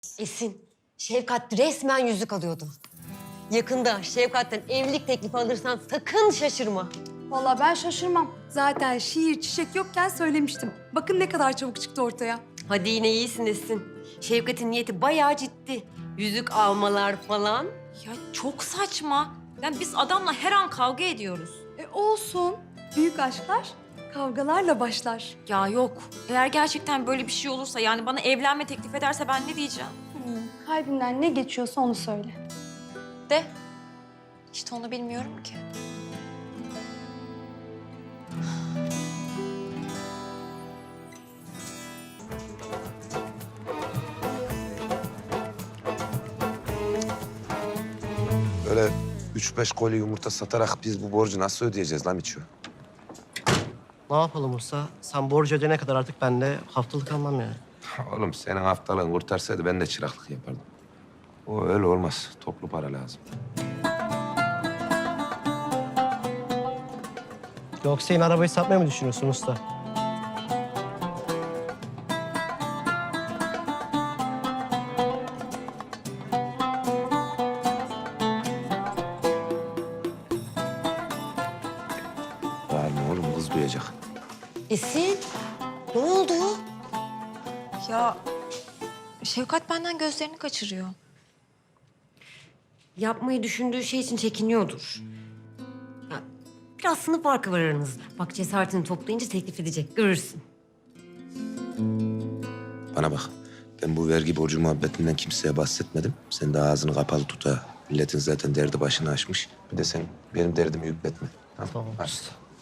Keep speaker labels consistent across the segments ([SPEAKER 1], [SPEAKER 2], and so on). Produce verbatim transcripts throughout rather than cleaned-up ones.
[SPEAKER 1] Esin, Şevkat resmen yüzük alıyordu. Yakında Şevkat'ten evlilik teklifi alırsan sakın şaşırma.
[SPEAKER 2] Vallahi ben şaşırmam. Zaten şiir, çiçek yokken söylemiştim. Bakın ne kadar çabuk çıktı ortaya.
[SPEAKER 1] Hadi yine iyisin Esin. Şevkat'in niyeti bayağı ciddi. Yüzük almalar falan.
[SPEAKER 3] Ya çok saçma. Yani biz adamla her an kavga ediyoruz.
[SPEAKER 2] E olsun. Büyük aşklar kavgalarla başlar.
[SPEAKER 3] Ya yok. Eğer gerçekten böyle bir şey olursa yani bana evlenme teklif ederse ben ne diyeceğim?
[SPEAKER 2] Hmm, kalbinden ne geçiyorsa onu söyle.
[SPEAKER 3] De. İşte onu bilmiyorum ki.
[SPEAKER 4] Böyle üç beş koli yumurta satarak biz bu borcu nasıl ödeyeceğiz lan Miço?
[SPEAKER 5] Ne yapalım Usta? Sen borcu ödeyene kadar artık ben de haftalık almam yani.
[SPEAKER 4] Oğlum senin haftalığın kurtarsaydı ben de çıraklık yapardım. O öyle olmaz. Toplu para lazım.
[SPEAKER 5] Yoksa yine arabayı satmayı mı düşünüyorsun Usta?
[SPEAKER 4] Var mı oğlum? Kız duyacak.
[SPEAKER 1] Esin, ne oldu?
[SPEAKER 3] Ya Şevkat benden gözlerini kaçırıyor.
[SPEAKER 1] Yapmayı düşündüğü şey için çekiniyordur. Ya, biraz sınıf farkı var aranızda. Bak cesaretini toplayınca teklif edecek, görürsün.
[SPEAKER 4] Bana bak. Ben bu vergi borcu muhabbetinden kimseye bahsetmedim. Sen de ağzını kapalı tut ha. Milletin zaten derdi başını aşmış. Bir de sen benim derdimi yükletme. Tamam.
[SPEAKER 5] Tamam.
[SPEAKER 4] Hadi.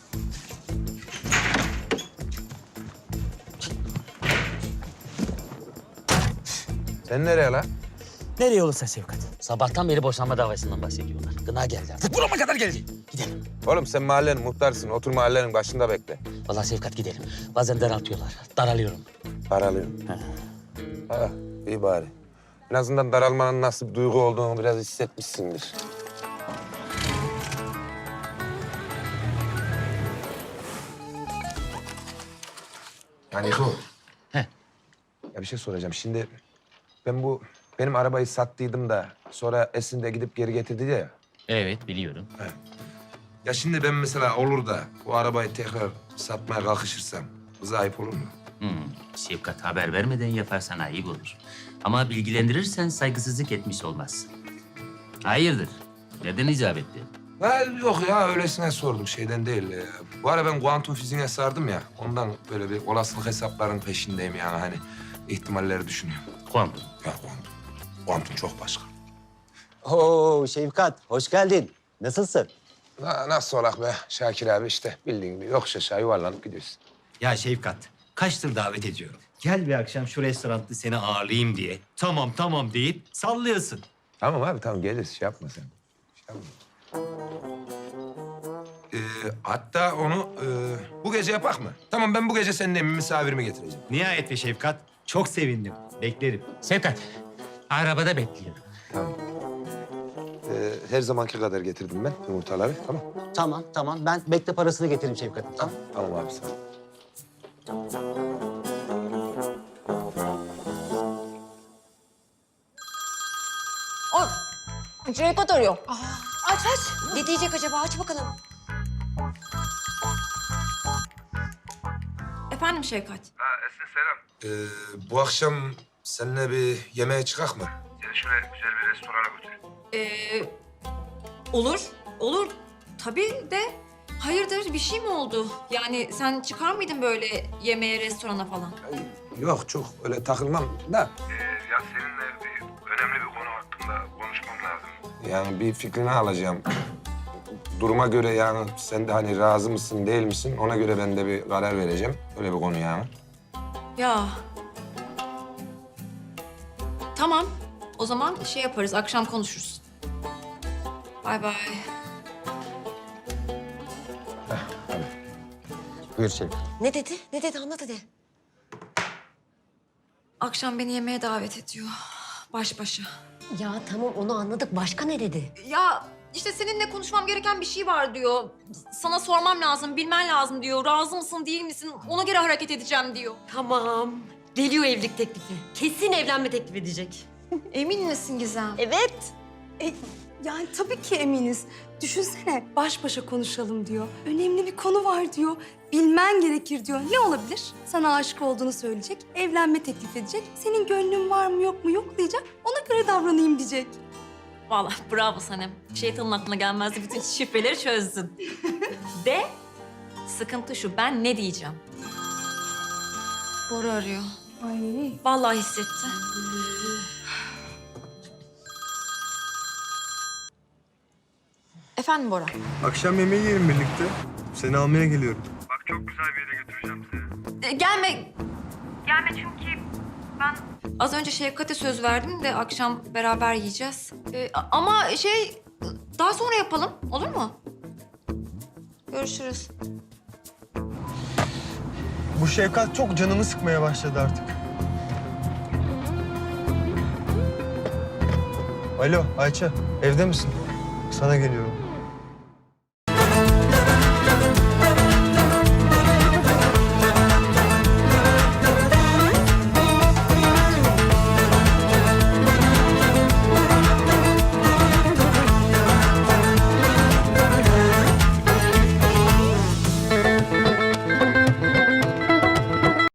[SPEAKER 4] Sen nereye lan?
[SPEAKER 6] Nereye olursa Şevkat. Sabahtan beri boşanma davasından bahsediyorlar. Gına geldi artık. Burama kadar geldi. Gidelim.
[SPEAKER 4] Oğlum sen mahallenin muhtarsın. Otur mahallenin başında bekle.
[SPEAKER 6] Vallahi Şevkat gidelim. Bazen daraltıyorlar. Daralıyorum.
[SPEAKER 4] Daralıyorum. Ha, iyi bari. En azından daralmanın nasıl bir duygu olduğunu biraz hissetmişsindir. Yani bu.
[SPEAKER 6] Heh.
[SPEAKER 4] Ya bir şey soracağım. Şimdi ben bu benim arabayı sattıydım da sonra Esin de gidip geri getirdi ya.
[SPEAKER 6] Evet biliyorum.
[SPEAKER 4] Ya şimdi ben mesela olur da bu arabayı tekrar satmaya kalkışırsam kıza ayıp olur mu?
[SPEAKER 6] Hmm. Şevkat haber vermeden yaparsan ayıp olur. Ama bilgilendirirsen saygısızlık etmiş olmazsın. Hayırdır? Neden icap etti?
[SPEAKER 4] Ha, yok ya öylesine sordum şeyden değil. Ee, bu ara ben kuantum fiziğine sardım ya. Ondan böyle bir olasılık hesaplarının peşindeyim yani hani ihtimalleri düşünüyorum.
[SPEAKER 6] Kuantum.
[SPEAKER 4] Ya kuantum. Kuantum çok başka.
[SPEAKER 7] Oo Şevkat, hoş geldin. Nasılsın?
[SPEAKER 4] Na, nasıl olak be Şakir abi işte bildiğin gibi yokuş aşağı yuvarlanıp gidiyorsun.
[SPEAKER 8] Ya Şevkat, kaçtır davet ediyorum. Gel bir akşam şu restoranda seni ağırlayayım diye. Tamam tamam deyip sallıyorsun.
[SPEAKER 4] Tamam abi tamam geliriz şey yapma sen. Şey yapma. Ee, hatta onu e, bu gece yapak mı? Tamam ben bu gece senin evime misafirimi getireceğim.
[SPEAKER 8] Nihayet be Şevkat, çok sevindim. Beklerim.
[SPEAKER 6] Şevkat, arabada bekliyorum.
[SPEAKER 4] Tamam. Ee, her zamanki kadar getirdim ben yumurtaları tamam.
[SPEAKER 7] Tamam, tamam. Ben bekle parasını getireyim Şevkat'ım. Tamam.
[SPEAKER 4] Tamam abi sağ ol.
[SPEAKER 3] Şevkat arıyor.
[SPEAKER 1] Aç aç. Ne diyecek acaba? Aç bakalım.
[SPEAKER 3] Efendim Şevkat.
[SPEAKER 4] Ee, bu akşam seninle bir yemeğe çıkak mı? Seni şöyle güzel bir restorana götüreyim.
[SPEAKER 3] Ee, olur, olur. Tabii de hayırdır bir şey mi oldu? Yani sen çıkar mıydın böyle yemeğe, restorana falan?
[SPEAKER 4] Yok çok öyle takılmam da.
[SPEAKER 9] Ya seninle bir önemli bir konu hakkında konuşmam lazım.
[SPEAKER 4] Yani bir fikrini alacağım. Duruma göre yani sen de hani razı mısın değil misin ona göre ben de bir karar vereceğim. Öyle bir konu yani.
[SPEAKER 3] Ya. Tamam. O zaman şey yaparız, akşam konuşuruz. Bay bay.
[SPEAKER 7] Buyur Şevkat.
[SPEAKER 1] Ne dedi? Ne dedi? Anlat hadi.
[SPEAKER 3] Akşam beni yemeğe davet ediyor. Baş başa.
[SPEAKER 1] Ya tamam onu anladık. Başka ne dedi?
[SPEAKER 3] Ya işte seninle konuşmam gereken bir şey var diyor. Sana sormam lazım, bilmen lazım diyor. Razı mısın, değil misin? Ona göre hareket edeceğim diyor.
[SPEAKER 1] Tamam. Geliyor evlilik teklifi. Kesin evlenme teklif edecek.
[SPEAKER 3] Emin misin Gizem?
[SPEAKER 1] Evet.
[SPEAKER 2] E, yani tabii ki eminiz. Düşünsene baş başa konuşalım diyor. Önemli bir konu var diyor. Bilmen gerekir diyor. Ne olabilir? Sana aşık olduğunu söyleyecek, evlenme teklif edecek. Senin gönlün var mı yok mu yoklayacak. Ona göre davranayım diyecek.
[SPEAKER 3] Vallahi bravo Sanem. Şeytanın aklına gelmezdi. Bütün şifreleri çözdün. De sıkıntı şu. Ben ne diyeceğim? Bora arıyor.
[SPEAKER 2] Ay.
[SPEAKER 3] Vallahi hissetti. Efendim Bora?
[SPEAKER 10] Akşam yemeği yiyelim birlikte. Seni almaya geliyorum.
[SPEAKER 9] Bak çok güzel bir yere götüreceğim seni.
[SPEAKER 3] E, gelme. Gelme çünkü ben... Az önce Şefkat'e söz verdim de akşam beraber yiyeceğiz. E, a- ama şey daha sonra yapalım. Olur mu? Görüşürüz.
[SPEAKER 10] Bu Şefkat çok canımı sıkmaya başladı artık. Alo Ayça, evde misin? Sana geliyorum.